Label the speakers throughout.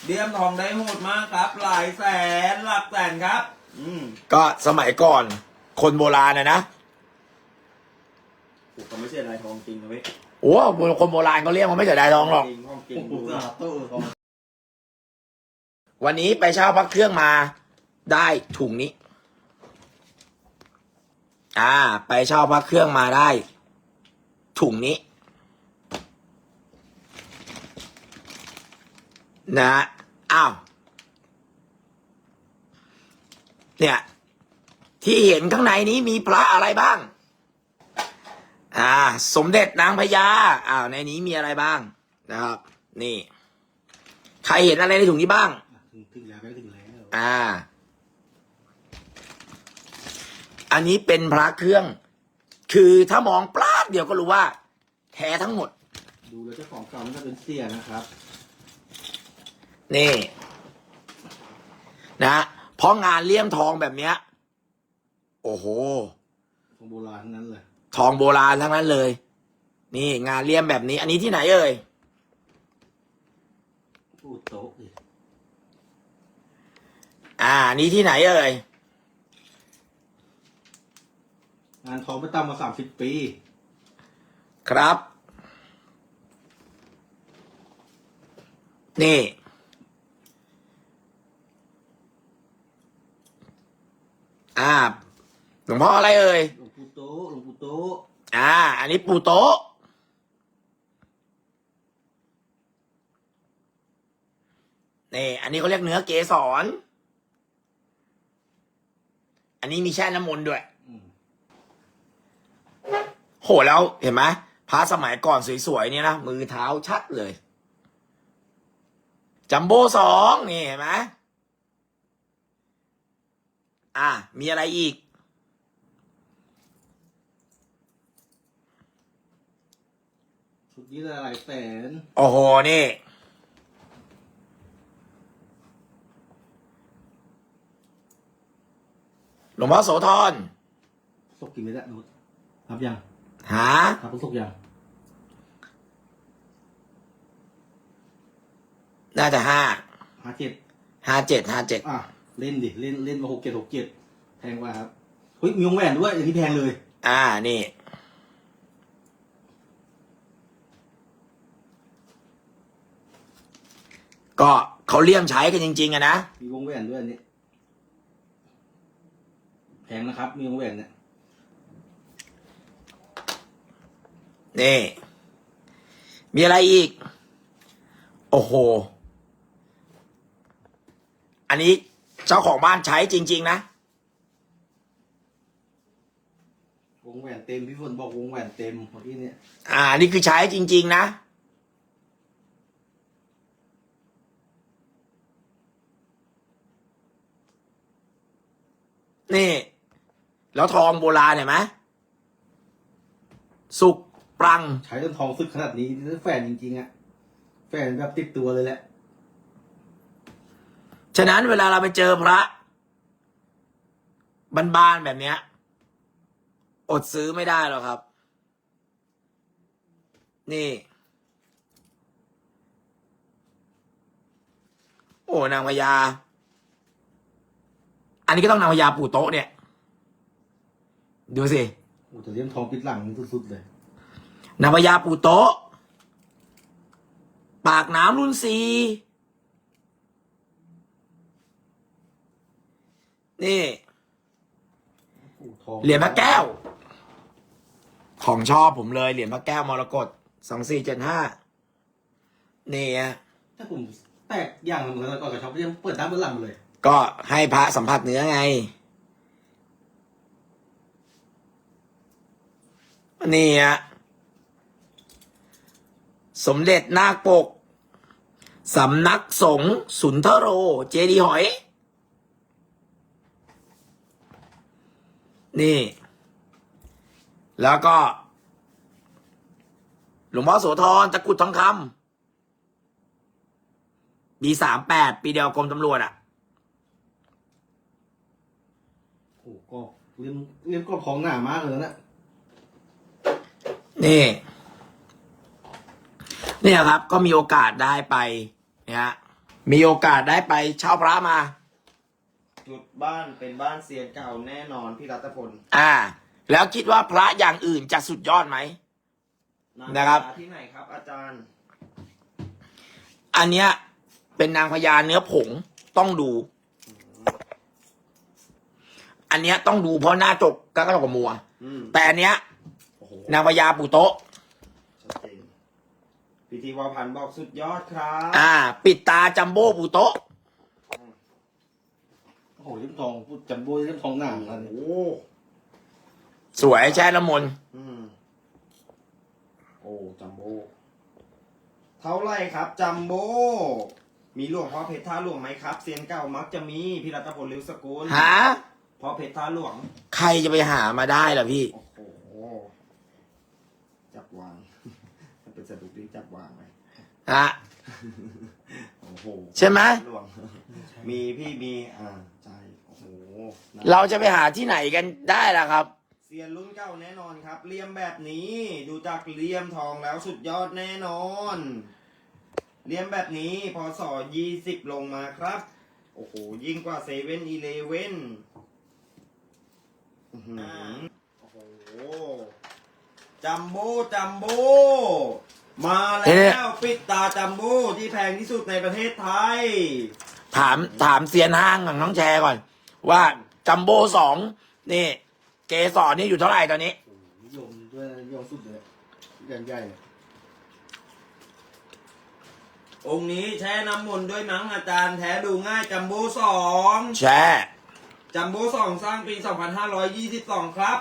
Speaker 1: เลี่ยมทองได้โหดมากครับ หลายแสนหลักแสนครับ
Speaker 2: ก็สมัยก่อนคนโบราณนะ
Speaker 1: ผมไม่ใช่ลายทองจริงนะเว้ย
Speaker 2: โอ้คนโบราณเขาเรียกมันไม่เสียดายทองหรอก
Speaker 1: ทองจริงดูนะตู้ทอง
Speaker 2: วันนี้ไปเช่าพักเครื่องมาได้ถุงนี้ ไปเช่าพักเครื่องมาได้ถุงนี้นะอ้าวเนี่ยที่เห็นข้างในนี้มีพระอะไรบ้างสมเด็จนางพญาในนี้มีอะไรบ้างนะครับนี่ใครเห็นอะไรในถุงนี้บ้าง
Speaker 3: ถึงแล้วไม่ถึงแล้ว
Speaker 2: อันนี้เป็นพระเครื่องคือถ้ามองปลาดเดียวก็รู้ว่าแท้ทั้งหมด
Speaker 3: ดูแล้วเจ้าของเก่ามันก็เป็นเสียนะครับ
Speaker 2: นี่นะเพราะงานเลี่ยมทองแบบเนี้ยโอ้โห
Speaker 3: ของโบราณทั้งนั้นเลย
Speaker 2: ทองโบราณทั้งนั้นเลยนี่งานเลี่ยมแบบนี้อันนี้ที่ไหนเอ่ย
Speaker 3: พูดโต๊ะเลย
Speaker 2: อันนี้ที่ไหนเอ่ย
Speaker 3: งานทองไม่ต่ำกว่า30 ปี
Speaker 2: ครับนี่หลวงพ่ออะไรเอ่ย
Speaker 3: หลวงปู่โต๊ะหลวงปู่โต๊ะ
Speaker 2: อันนี้ปู่โต๊ะนี่อันนี้เขาเรียกเนื้อเกสรอันนี้มีแช่น้ำมนต์ด้วยโหแล้วเห็นไหมพระสมัยก่อนสวยๆเนี่ยนะมือเท้าชัดเลยจัมโบ้2นี่เห็นไหมมีอะไรอีก
Speaker 3: ชุดนี้หลายแสน
Speaker 2: โอ้โหนี่หลวงพ่อโสธร
Speaker 3: ศกกี่เม็ดอะนุชนับยังนับศกยัง
Speaker 2: น่าจะ
Speaker 3: 57เล่นดิเล่นมา67แพงกว่าครับเฮ้ยมีวงแหวนด้วยอย่างนี้แพงเลย
Speaker 2: นี่ก็เขาเลี่ยมใช้กันจริงๆอะนะ
Speaker 3: มีวงแหวนด้วยอันนี้แพงนะครับมีวงแหวนเนี่ย
Speaker 2: นี่มีอะไรอีกโอ้โหอันนี้เจ้าของบ้านใช้จริงๆนะ
Speaker 3: วงแหวนเต็มพี่ฝนบอกวงแหวนเต็มของพี่เนี่ย
Speaker 2: นี่คือใช้จริงๆนะนี่แล้วทองโบราณเห็นไหมสุกปรัง
Speaker 3: ใช้จนทองสึกขนาดนี้แฟนจริงๆอะแฟนแบบติดตัวเลยแหละ
Speaker 2: ฉะนั้นเวลาเราไปเจอพระบานๆแบบเนี้ยอดซื้อไม่ได้หรอกครับนี่โอ้นางพญาอันนี้ก็ต้องนางพญาปู่โต๊ะเนี่ยดูสิ
Speaker 3: โอ้แต่เลี่ยมทองปิดหลังสุดๆเลย
Speaker 2: นางพญาปู่โต๊ะปากน้ำรุ่น4นี่เหรียญพระแก้วของชอบผมเลยเหรียญพระแก้วมรกต2475นี่
Speaker 3: ถ้าผมแตกอย่างเหมือนกันก่อนกับชอบยังเปิดด้านบนหลังเลย
Speaker 2: ก็ให้พระสัมผัสเนื้อไงนี่สมเด็จนาคปกสำนักสงฆ์สุนทโรเจดีย์หอยนี่แล้วก็หลวงพ่อโสธรตะกรุดทองคำปี38ปีเดียวกรมตำรวจ
Speaker 3: โอ้ก็เลี่ยมก็ของหนามากเลยนะ
Speaker 2: นี่ครับก็มีโอกาสได้ไปเนี่ยมีโอกาสได้ไปเช่าพระมา
Speaker 1: จุดบ้านเป็นบ้านเซียนเก่าแน่นอนพี่รัตพล
Speaker 2: แล้วคิดว่าพระอย่างอื่นจะสุดยอดไหม นะครับ
Speaker 1: ที่ไหนครับ อาจารย์
Speaker 2: อันเนี้ยเป็นนางพญาเนื้อผงต้องดู อันเนี้ยต้องดูเพราะหน้าจกก็กับมัว แต่อันเนี้ย
Speaker 1: โอ้โห
Speaker 2: นางพญาปู่โต๊ะ
Speaker 1: ชัดเจนพิธีวาพันธ์บอกสุดยอดครับ
Speaker 2: ปิดตาจัมโบ้ปู่โต๊ะ
Speaker 3: โอ้โหเล่มทองพูดจัมโบ้เล่มทองหนาอันนี้
Speaker 1: โอ้
Speaker 2: สวยแช่น้ำมนต์
Speaker 1: โอ้จัมโบ้เท่าไรครับจัมโบ้มีหลวงพ่อเพชรท่าหลวงไหมครับเซียนเก่ามักจะมีพี่รัตพลลิวสกุล
Speaker 2: หา
Speaker 1: พ่อเพชรท่าหลวง
Speaker 2: ใครจะไปหามาได้ล่ะพี่
Speaker 1: โอ้โหจับวาง เป็นสะดุกที่จับวางไหม โอ้โห
Speaker 2: ใช่ไหม
Speaker 1: หลวง มีพี่มีใจโอ้โหนะ
Speaker 2: เราจะไปหาที่ไหนกันได้ล่ะครับ
Speaker 1: เซียนรุ่นเก่าแน่นอนครับเลี่ยมแบบนี้ดูจากเลี่ยมทองแล้วสุดยอดแน่นอนเลี่ยมแบบนี้พศ20ลงมาครับโอ้โหยิ่งกว่าเซเว่นอีเลเว่นโอ้โหจัมโบ้จัมโบ้มาแล้วปิดตาจัมโบ้ที่แพงที่สุดในประเทศไทย
Speaker 2: ถามเซียนห้างของน้องแชร์ก่อน ว่าจัมโบ้2นี่ เกสรนี่อยู่เท่าไหร่ตอนนี้
Speaker 3: โอ้โหนิยมด้วยนิยมสุดเลยใหญ่เลย
Speaker 1: องค์นี้แช่น้ำมนต์ด้วยมั้งอาจารย์แท้ดูง่ายจัมโบ้2
Speaker 2: แช่
Speaker 1: จัมโบ้2สร้างปี 2522 ครับ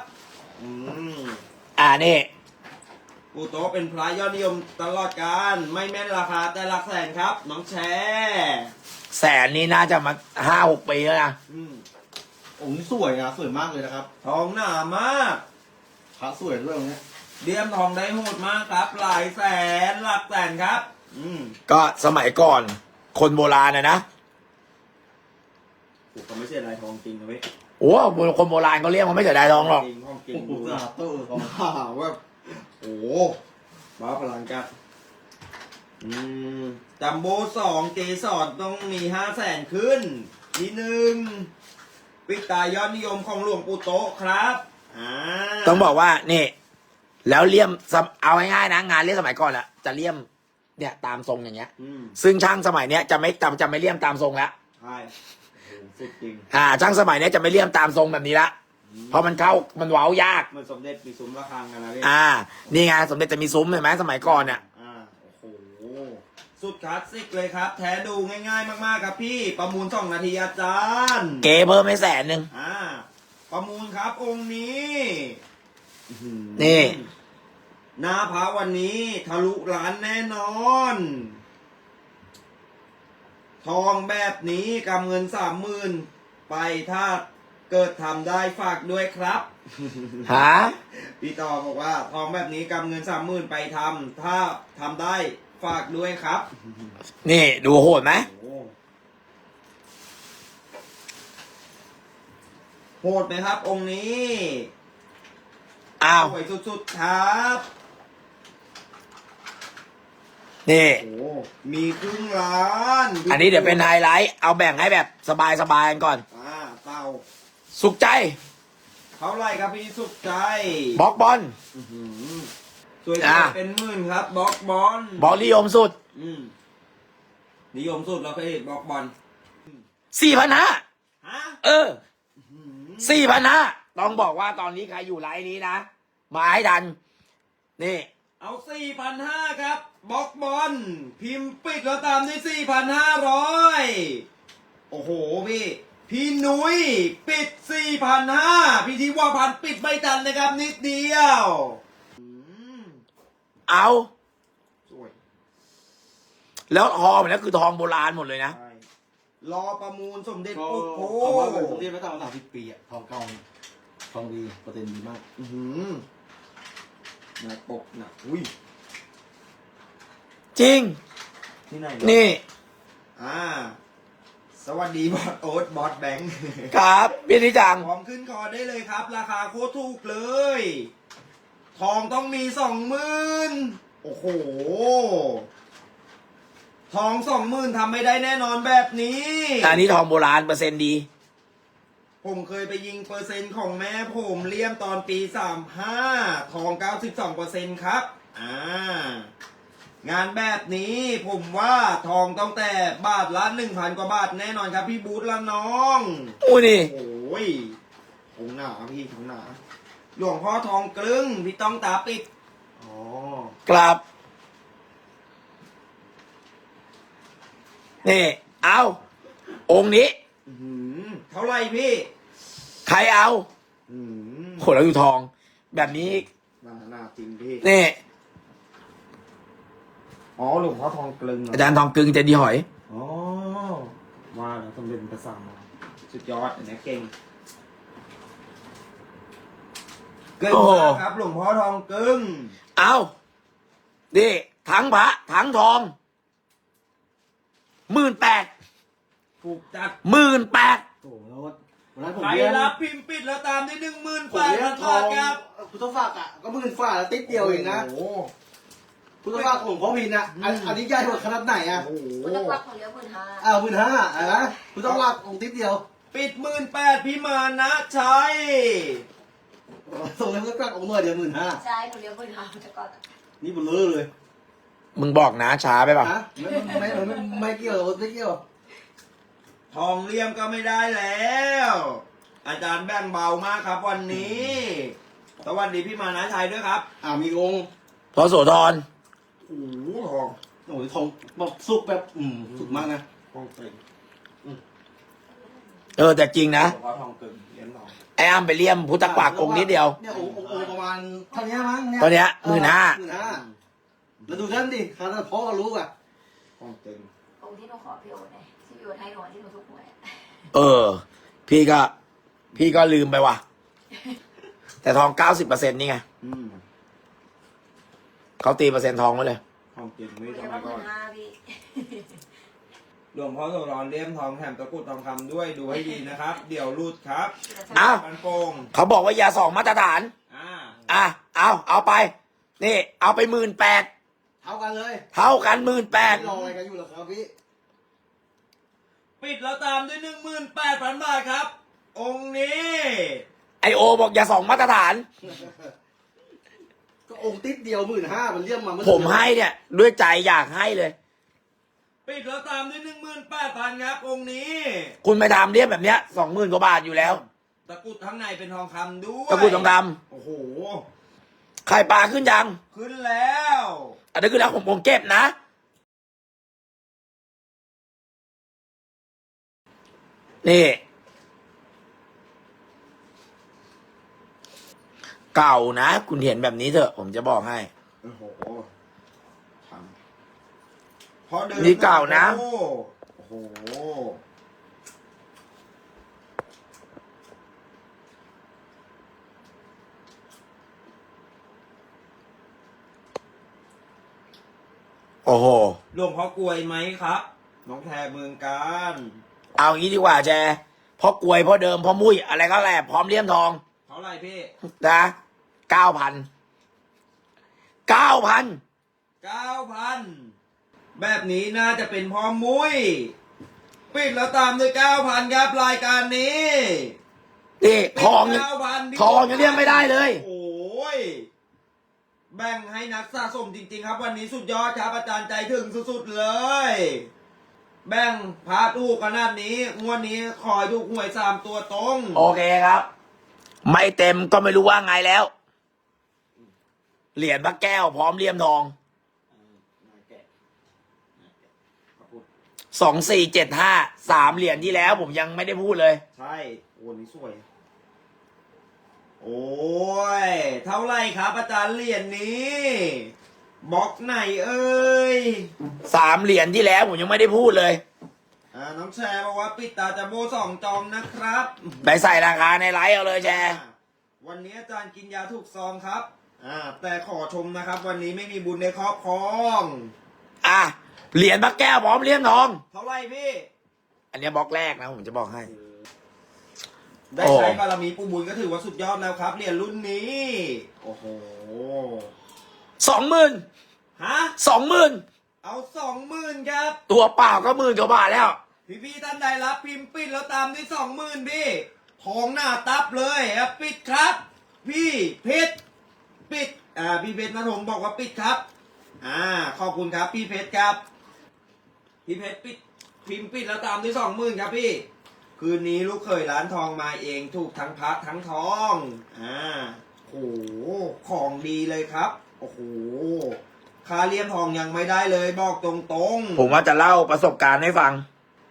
Speaker 2: นี่
Speaker 1: ปู่โตเป็นพระยอดนิยมตลอดการไม่แม่นราคาแต่หลักแสนครับน้องแชร์
Speaker 2: แสนนี่น่าจะมา5-6 ปีแล้วนะ
Speaker 3: องค์นี้สวยนะสวยมากเลยนะครับ
Speaker 1: ทองหนามาก
Speaker 3: พระสวยด้วยองค์เนี้ย
Speaker 1: เดียมทองได้โหดมากครับ หลายแสนหลักแสนครับ
Speaker 2: ก็สมัยก่อนคนโบราณนะ
Speaker 1: ผมก็ไม่ใช่ลายทองจริงนะเว้ย
Speaker 2: โอ้คนโบราณเขาเรียกมันไม่เสียดายทองหรอก
Speaker 1: จริงทองจริง
Speaker 3: โอ้โหสาธุทอง
Speaker 1: ว่าโอ้บ้าพลังกันจัมโบ้2เกสรต้องมี 500,000 ขึ้นทีหนึ่งปิดตายอดนิยมของหลวงปู่โตะครับ
Speaker 2: ต้องบอกว่านี่ แล้วเลี่ยมเอาง่ายๆนะงานเลี่ยมสมัยก่อนอะจะเลี่ยมเนี่ยตามทรงอย่างเงี้ยซึ่งช่างสมัยเนี้ยจะไม่เลี่ยมตามทรงแล้ว
Speaker 1: ใช่สุดจริง
Speaker 2: ช่างสมัยเนี้ยจะไม่เลี่ยมตามทรงแบบนี้ละเพราะมันมันเว้ายาก
Speaker 1: มันสมเด็จมีซุ้มระฆังกันนะพี่
Speaker 2: นี่ไงสมเด็จจะมีซุ้มเห็นไหมสมัยก่อนเนี่ย
Speaker 1: โอ้โหสุดคลาสสิกเลยครับ แท้ดูง่ายๆมากๆครับพี่ประมูล2 นาทีอาจารย์
Speaker 2: เก๋เพิ่มให้100,000
Speaker 1: ประมูลครับองค์นี้
Speaker 2: นี่
Speaker 1: หน้าพระวันนี้ทะลุล้านแน่นอน ทองแบบนี้กำเงิน30,000ไปถ้าเกิดทำได้ฝากด้วยครับพี่ต่อบอกว่าทองแบบนี้กำเงิน30,000ไปทำถ้าทำได้ฝากด้วยครับ
Speaker 2: นี่ดูโหดไหม
Speaker 1: โหดไหมครับองค์นี้สวยสุดๆครับ
Speaker 2: นี่
Speaker 1: มีครึ่งล้าน
Speaker 2: อันนี้เดี๋ยวเป็นไฮไลท์เอาแบ่งให้แบบสบายๆกันก่อน
Speaker 1: เต่า
Speaker 2: สุขใจ
Speaker 1: เท่าไรครับพี่สุขใจ
Speaker 2: บล็อกบอล
Speaker 1: สวยเป็น10,000ครับบล็อกบอล
Speaker 2: บอลนิยมสุด
Speaker 1: นิยมสุดแล้วก็บล็อกบอล
Speaker 2: 4,500ต้องบอกว่าตอนนี้ใครอยู่ไลน์นี้นะมาให้ทันนี่
Speaker 1: เอา 4,500 ครับบล็อกบอลพิมพ์ปิดแล้วตามด้วย 4,500 โอ้โหพี่หนุ้ยปิด 4,500 พี่ทิวาพันธ์ปิดไม่ทันนะครับนิดเดียว
Speaker 2: เอาสวยแล้วทองมันก็คือทองโบราณหมดเลยนะ
Speaker 1: รอประมูลสมเด็จปู่โต
Speaker 3: ผมเรียกไม่ต่ำกว่า30 ปีอะทองเก่าทองดีเปอร์เซ็นต์ดีมาก
Speaker 1: หนักปกหนักอุ้ย
Speaker 2: จริง
Speaker 1: ที่ไหน
Speaker 2: นี่
Speaker 1: สวัสดีบอสโอ๊ตบอสแบงค์
Speaker 2: ครับพี่นิจัง
Speaker 1: พร้อมขึ้นคอได้เลยครับราคาโคตรถูกเลยทองต้องมี 20,000โอ้โหทอง20,000ทำไม่ได้แน่นอนแบบนี้
Speaker 2: อันนี้ทองโบราณเปอร์เซ็นต์ดี
Speaker 1: ผมเคยไปยิงเปอร์เซ็นต์ของแม่ผมเลี่ยมตอนปี35ทอง92%ครับงานแบบนี้ผมว่าทองต้องแต่บาทละ 1,000 กว่าบาทแน่นอนครับพี่บูธละน้อง
Speaker 2: อู้นี่
Speaker 1: โอ้ยของหนาพี่ของหนาหลวงพ่อทองกลึงพี่ต้องตาปิดอ๋อก
Speaker 2: ลับ นี่ เอาองค์นี้
Speaker 1: อื้อหือเท่าไหร่พี่
Speaker 2: ใครเอา
Speaker 1: อื้อหือ
Speaker 2: โหแล้วอยู่ทอง แบบนี้
Speaker 1: หนาจริงพี่
Speaker 2: นี่
Speaker 1: อ๋อหลวงพ่อทองกลึงเหรอ
Speaker 2: อาจารย์ทองกึงเจดีย์หอย
Speaker 1: อ๋อว่าแล้วต้องเป็นภาษาสุดยอดอันนี้เก่งเก่ง
Speaker 2: โอ้โห
Speaker 1: มากครับหลวงพ่อทองกึง
Speaker 2: เอาดิทั้งพระทั้งทอง 18,000
Speaker 1: ถูกจัด
Speaker 2: 18,000
Speaker 3: โอ้โหแล้ววันนั้นผม
Speaker 1: ใคร
Speaker 3: เลี้ยง
Speaker 1: รับพิมพ์ปิดแล้วตามได้
Speaker 3: ผม
Speaker 1: 18,000
Speaker 3: เลี้ยงท
Speaker 1: บา
Speaker 3: อ
Speaker 1: ท
Speaker 3: ง
Speaker 1: ครับ
Speaker 3: พุทธฝักอ่ะก็10,000ฝ่าแล้วติดเดียวเองนะ
Speaker 1: โอ้โห
Speaker 3: พุทธฝักของพ่อพินอ่ะอันนี้ใหญ่กว่าขนาดไหนอ่ะ
Speaker 1: โอ้โห
Speaker 4: พุทธวักของเลี้ยง15,000
Speaker 3: 15,000นะพุทธฝักของติดเดียว
Speaker 1: ปิด18,000พี่มานะชัย
Speaker 3: ส่งแล้วพุทธฝักองค์หน่อยเดียว15,000
Speaker 4: ใช่หนูเลี้ยง15,000แต่ก่อนอะ
Speaker 3: นี่เบลอเลย
Speaker 2: มึงบอกนะช้าไปป่ะ
Speaker 3: ฮะไม่เกี่ยวไม่เกี่ยว
Speaker 1: ทองเลี่ยมก็ไม่ได้แล้ว อาจารย์แบ่งเบามากครับวันนี้สวัสดีพี่มานะชัยด้วยครับ
Speaker 3: มีองค์
Speaker 2: พอโสธร
Speaker 1: โอ้โหทอง
Speaker 3: โอ้ยทองแบบสุกแบบสุกมากนะ
Speaker 1: ทองเต็ง
Speaker 2: แต่จริงนะ
Speaker 1: หลวงพ่อทองกึ่งเลี้ยงทอง
Speaker 2: ไอ้อ้ำไปเลี่ยมพุทธปากองค์นิดเดียว
Speaker 3: เนี่ยองค์ประมาณเท่านี้มั้ง
Speaker 2: ตอนเนี้ย15,000
Speaker 3: 15,000แล้วดูท่านดิขนาดพ่อก็รู้อ่ะ
Speaker 1: ทองเต็ง
Speaker 4: องค์ที่หนูขอพี่โอ๊ตไงที่พี่โอ๊ตให้หนูที่หนูทุกหวยอะ
Speaker 2: พี่ก็ลืมไปว่ะ แต่ทอง 90%นี่ไง
Speaker 1: อืม
Speaker 2: เขาตีเปอร์เซ็นต์ทองไว้เลย
Speaker 1: ทองเต็ง
Speaker 4: หนู
Speaker 1: ไม่
Speaker 4: เลี้
Speaker 1: ทำ
Speaker 4: ยง
Speaker 1: ไม
Speaker 4: มา
Speaker 1: ก่อน
Speaker 4: 15,000พี่
Speaker 1: หลวงพ่อโสธรเลี่ยมทองแถมตะกรุดทองคำด้วยดูให้ดีนะครับ เดี๋ยวรูดครับ
Speaker 2: อ้าว
Speaker 1: มันโปง
Speaker 2: เขาบอกว่ายาสองมาตรฐาน เอาไป นี่ เอาไป18,000
Speaker 3: เท่ากันเลย
Speaker 2: เท่ากัน
Speaker 3: ไม่รอ
Speaker 2: 18,000
Speaker 3: อะไรกันอยู่หรอครับพี่
Speaker 1: ปิดแล้วตามด้วย 18,000 บาทครับ องค์นี้
Speaker 2: ไอโอบอกยาสองมาตรฐาน
Speaker 3: ก็องค์ติดเดียว15,000มันเรียกมา
Speaker 2: ผมให้เนี่ย ด้วยใจอยากให้เลย
Speaker 1: ปิดแล้วตามด้วย 18,000 ครับ องค์นี้
Speaker 2: คุณไปทำเรียบแบบเนี้ย20,000 กว่าบาทอยู่แล้ว
Speaker 1: ตะกรุดข้างในเป็นทองคำด้วย
Speaker 2: ตะกรุดทองค
Speaker 1: โอ้โห
Speaker 2: ำไข่ปลาขึ้นยัง
Speaker 1: ขึ้นแล้ว
Speaker 2: อันนี้คือแล้วผมเก็บนะ นี่ เก่านะ คุณเห็นแบบนี้เถอะ ผมจะบอกให้
Speaker 1: โอ้โหทำเพราะเดิม
Speaker 2: นี่เก่านะ
Speaker 1: โอ้โห
Speaker 2: โอ้โห
Speaker 1: หลวงพ่อกลวยไหมครับ น้องแทเมืองการ
Speaker 2: เอางี้ดีกว่าแจพ่อกลวยพ่อเดิมพ่อมุ้ยอะไรก็แหละพร้อมเลี่ยมทอง
Speaker 1: เท่าไหร่พี่
Speaker 2: นะ9,000
Speaker 1: แบบนี้น่าจะเป็นพ่อมุ้ย ปิดแล้วตามด้วย 9,000 ครับรายการนี้
Speaker 2: นี่ทองยัง
Speaker 1: 9,000
Speaker 2: ทองยังเลี่ยมไม่ได้เลย
Speaker 1: โอ้ย แบ่งให้นักสะสมจริง ๆ ครับ วันนี้สุดยอดครับอาจารย์ใจถึงสุดๆเลย แบ่งพาถูกขนาดนี้งวดนี้ขอถูกหวย3 ตัวตรง
Speaker 2: โอเคครับ ไม่เต็มก็ไม่รู้ว่าไงแล้ว เหรียญพระแก้วพร้อมเลี่ยมทอง 2475 3 เหรียญที่แล้วผมยังไม่ได้พูดเลย
Speaker 1: ใช่โอ้นี่สวย โอ้ย เท่าไหรครับอาจารย์เหรียญนี้บล็อกไหนเอ้ย
Speaker 2: 3 เหรียญที่แล้วผมยังไม่ได้พูดเลย
Speaker 1: น้องแชร์บอกว่าปิดตาจะโบ2 จองนะครับ
Speaker 2: ไปใส่ราคาในไลฟ์เอาเลยแชร์
Speaker 1: วันนี้อาจารย์กินยาถูกซองครับ แต่ขอชมนะครับ วันนี้ไม่มีบุญในครอบครอง
Speaker 2: เหรียญพระแก้วพร้อมเลี่ยมทอง
Speaker 1: เท่าไหรพี่
Speaker 2: อันเนี้ยบล็อกแรกนะผมจะบอกให้
Speaker 1: ได้ใช้บารมีปู่บุญก็ถือว่าสุดยอดแล้วครับเหรียญรุ่นนี้ โอ้โห
Speaker 2: 20,000
Speaker 1: ฮะ
Speaker 2: 20,000
Speaker 1: เอา20,000ครับ
Speaker 2: ตัวเปล่าก็10,000 กว่าบาทแล้ว
Speaker 1: พี่ท่านใดรับพิมพ์ปิดแล้วตามด้วย20,000พี่ทองหน้าตับเลยครับปิดครับ พี่เพชรปิดพี่เพชรนะผมบอกว่าปิดครับขอบคุณครับพี่เพชรครับพี่เพชรปิดพิมพ์ปิดแล้วตามด้วย20,000ครับพี่คืนนี้ลูกเขยร้านทองมาเองถูกทั้งพระทั้งทองโอ้โหของดีเลยครับโอ้โหค่าเลี่ยมทองยังไม่ได้เลยบอกตรงๆ
Speaker 2: ผมว่าจะเล่าประสบการณ์ให้ฟัง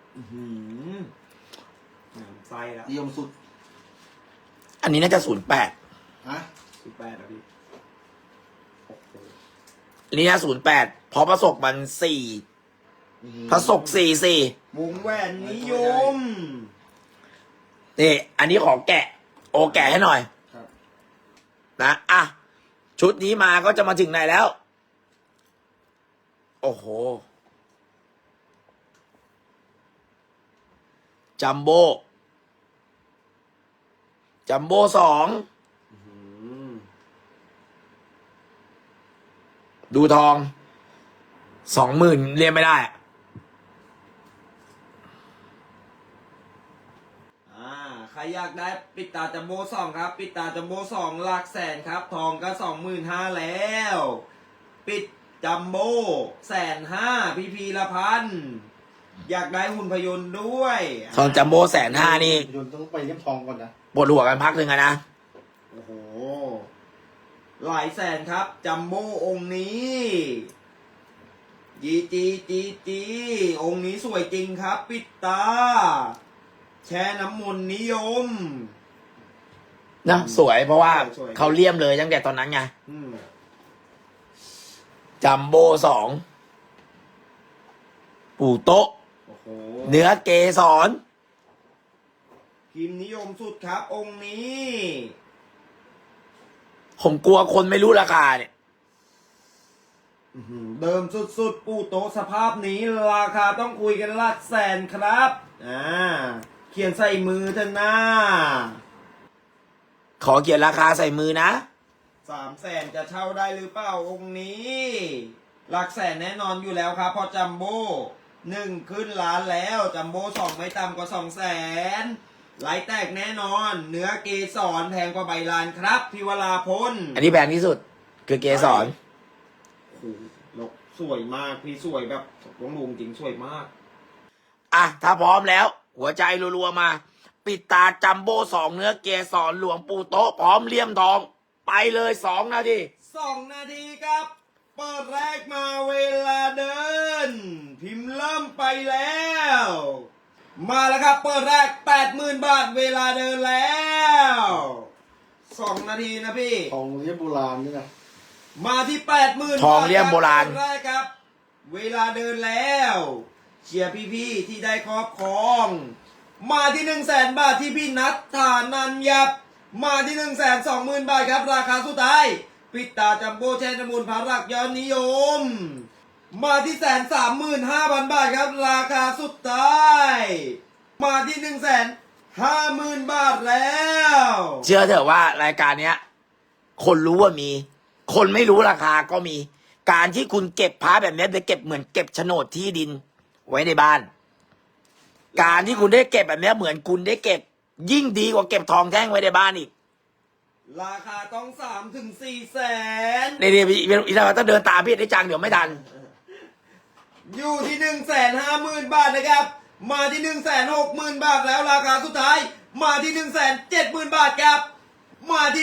Speaker 1: ไส้แล้ว
Speaker 3: นิยมสุด
Speaker 2: อันนี้น่าจะ08
Speaker 3: ฮะ
Speaker 1: 18นะพี่โอ้โห
Speaker 2: อันนี้น่า08เพราะประสบมัน4ประสบ44
Speaker 1: วงแหวนนิยม
Speaker 2: นี่อันนี้ของแกะ โอแกะให้หน่อย
Speaker 3: ครับ
Speaker 2: นะชุดนี้มาก็จะมาถึงไหนแล้ว โอ้โห จัมโบ้2ดูทอง20,000เรียนไม่ได้
Speaker 1: ใครอยากได้ปิดตาจัมโบ้2ครับ ปิดตาจัมโบ้2หลักแสนครับ ทองก็25,000แล้ว ปิดจัมโบ้150,000พี่พีละพันอยากได้หุ่นพยนต์ด้วย
Speaker 2: ทองจัมโบ้150,000นี่
Speaker 3: ยนต์ต้องไปเลี่ยมทองก่อนนะ
Speaker 2: ปวดหัวกันพักหนึ่งอะนะ
Speaker 1: โอ้โหหลายแสนครับจัมโบ้องค์นี้จีองค์นี้สวยจริงครับ ปิดตา แช่น้ำมนต์นิยม
Speaker 2: นะสวยเพราะว่า
Speaker 1: สวย
Speaker 2: เขาเลี่ยมเลยตั้งแต่ตอนนั้นไง
Speaker 1: อืม
Speaker 2: จัมโบ้2ปู่โต๊ะ
Speaker 1: โอ้โห
Speaker 2: เนื้อเกสร
Speaker 1: พิมพ์นิยมสุดครับ องค์นี้
Speaker 2: ผมกลัวคนไม่รู้ราคาเนี่ย
Speaker 1: เดิมสุดๆปูโตะสภาพนี้ราคาต้องคุยกันหลักแสนครับเขียนใส่มือเถอะนะ
Speaker 2: ขอเขียนราคาใส่มือนะ
Speaker 1: 300,000จะเช่าได้หรือเปล่าองค์นี้ หลักแสนแน่นอนอยู่แล้วครับเพอจัมโบ้1ขึ้นล้านแล้วจัมโบ้2ไม่ต่ำกว่า200,000ไหลแตกแน่นอน เนื้อเกสรแพงกว่าใบลานครับพิวราพล
Speaker 2: อันนี้แพงที่สุด คือเกสร
Speaker 1: โอ้โหลกสวยมากพี่สวยแบบหลวงลุงจริงสวยมาก
Speaker 2: ถ้าพร้อมแล้ว หัวใจรัวๆมา ปิดตาจัมโบ้2เนื้อเกสรหลวงปู่โต๊ะพร้อมเลี่ยมทอง ไปเลย2 นาที
Speaker 1: 2 นาทีครับ เปิดแรกมาเวลาเดิน พิมพ์เริ่มไปแล้ว มาแล้วครับ เปิดแรก 80,000 บาทเวลาเดินแล้ว2 นาทีนะพี่
Speaker 3: ทองเลี่ยมโบราณนี่นะ
Speaker 1: มาที่ 80,000
Speaker 2: ทองเลี่ยมโบราณ
Speaker 1: เปิดแรกครับ เวลาเดินแล้วเชียร์พี่ๆที่ได้ครอบครอง มาที่ 100,000 บาทที่พี่นัทฐานันยับ มาที่ 120,000 บาทครับราคาสุดท้ายปิดตาจัมโบ้แช่น้ำมูลพารักยอดนิยม มาที่135,000 บาทครับราคาสุดท้ายมาที่150,000 บาทแล้ว
Speaker 2: เชื่อเถอะว่ารายการเนี้ย คนรู้ว่ามี คนไม่รู้ราคาก็มี การที่คุณเก็บพระแบบนี้ไปเก็บเหมือนเก็บโฉนดที่ดิน ไว้ในบ้าน การที่คุณได้เก็บแบบนี้เหมือนคุณได้เก็บ ยิ่งดีกว่าเก็บทองแท่งไว้ในบ้านอีก
Speaker 1: ราคาต้อง3-4 แสน
Speaker 2: นี่อีเราต้องเดินตามพี่ได้จังเดี๋ยวไม่ทัน
Speaker 1: อยู่ที่150,000 บาทนะครับ มาที่160,000 บาทแล้วราคาสุดท้าย มาที่170,000 บาทครับ มาที่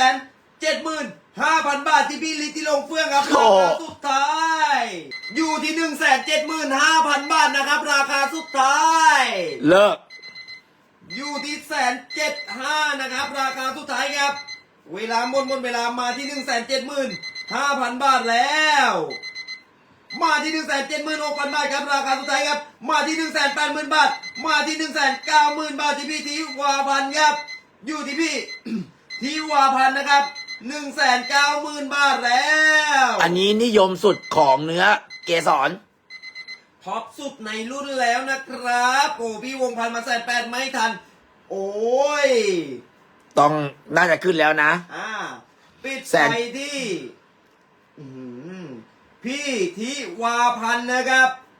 Speaker 1: 175,000 บาทที่พี่ลิติลงเฟื่องครับ
Speaker 2: โอ้
Speaker 1: ราคาสุดท้าย อยู่ที่175,000 บาทนะครับ ราคาสุดท้าย
Speaker 2: เลิก
Speaker 1: อยู่ที่175,000นะครับ ราคาสุดท้ายครับ เวลาหมดเวลามาที่175,000 บาทแล้ว มาที่176,000 บาทครับราคาสุดท้ายครับ มาที่180,000 บาท มาที่190,000 บาทที่พี่ทิวาพันธ์ครับ อยู่ที่พี่ ทิวาพันธ์นะครับ190,000 บาทแล้ว
Speaker 2: อันนี้นิยมสุดของเนื้อเกสร
Speaker 1: ท็อปสุดในรุ่นแล้วนะครับโอ้พี่วงพันธ์มา180,000ไม่ทัน โอ้ย
Speaker 2: ต้องน่าจะขึ้นแล้วนะ
Speaker 1: ปิด
Speaker 2: แส
Speaker 1: ไป
Speaker 2: น
Speaker 1: ที่ พพี่ทิวาพันธ์นะครับ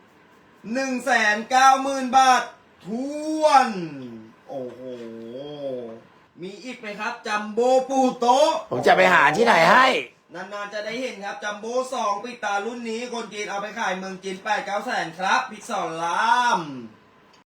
Speaker 1: 190,000 บาททวน โอ้โห มีอีกไหมครับ จัมโบ้ปูโตะ
Speaker 2: ผมจะไปหาที่ไหนให้
Speaker 1: นานๆจะได้เห็นครับ จัมโบ้2 ปิดตารุ่นนี้ คนจีนเอาไปขายเมืองจีน8-9 แสนครับ พิกซอนลาม